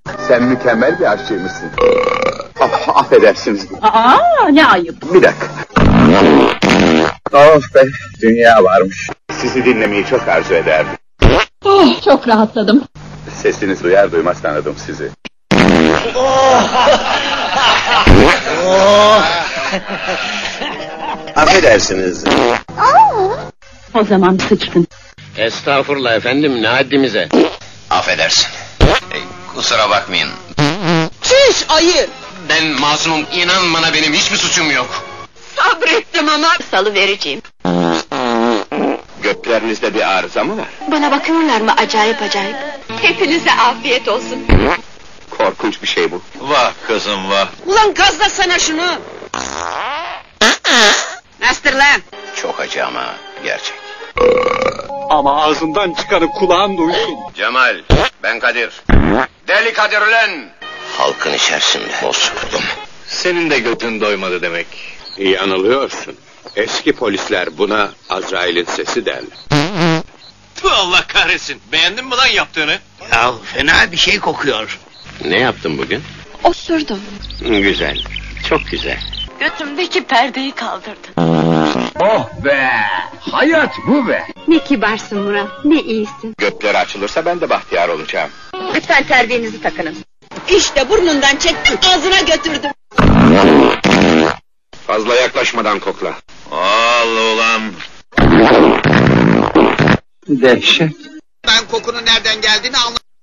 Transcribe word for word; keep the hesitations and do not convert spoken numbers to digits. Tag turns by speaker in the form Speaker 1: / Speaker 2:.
Speaker 1: Sen mükemmel bir aşçıymışsın. Ah, affedersiniz.
Speaker 2: Aa, ne ayıp.
Speaker 1: Bir dakika. Of be, dünya varmış. Sizi dinlemeyi çok arzu ederdim.
Speaker 2: Oh, çok rahatladım.
Speaker 1: Sesiniz duyar duymaz tanıdım sizi.
Speaker 3: Affedersiniz.
Speaker 2: O zaman sıçtın.
Speaker 4: Estağfurullah efendim, ne haddimize?
Speaker 3: Affedersin. E, kusura bakmayın.
Speaker 5: Çüş ayı!
Speaker 4: Ben masumum, inan bana benim hiçbir suçum yok.
Speaker 5: Sabrettim ama salı vereceğim.
Speaker 1: Göklerinizde bir arıza mı var?
Speaker 5: Bana bakıyorlar mı acayip acayip? Hepinize afiyet olsun.
Speaker 1: Korkunç bir şey bu.
Speaker 3: Vah kızım vah.
Speaker 5: Ulan gazlasana şunu! Nasıldır lan?
Speaker 3: Çok acı ama gerçek.
Speaker 1: Ama ağzından çıkanı kulağın duysun.
Speaker 3: Cemal, ben Kadir. Deli Kadir ulan! Halkın içerisinde bozkurdum.
Speaker 6: Senin de götün doymadı demek. Yanılıyorsun. Eski polisler buna Azrail'in sesi derler.
Speaker 7: Tüh, Allah kahretsin. Beğendin mi lan yaptığını?
Speaker 4: Ya fena bir şey kokuyor. Ne yaptın bugün?
Speaker 5: Osurdum.
Speaker 4: Güzel, çok güzel.
Speaker 5: Götümdeki perdeyi kaldırdı.
Speaker 1: Oh be! Hayat bu be!
Speaker 5: Ne kibarsın Murat, ne iyisin.
Speaker 1: Gökleri açılırsa ben de bahtiyar olacağım.
Speaker 5: Lütfen terbiyenizi takının. İşte burnundan çektim, ağzına götürdüm.
Speaker 1: Fazla yaklaşmadan kokla.
Speaker 3: Al ulan!
Speaker 1: Dehşet.
Speaker 7: Ben kokunun nereden geldiğini anlamadım.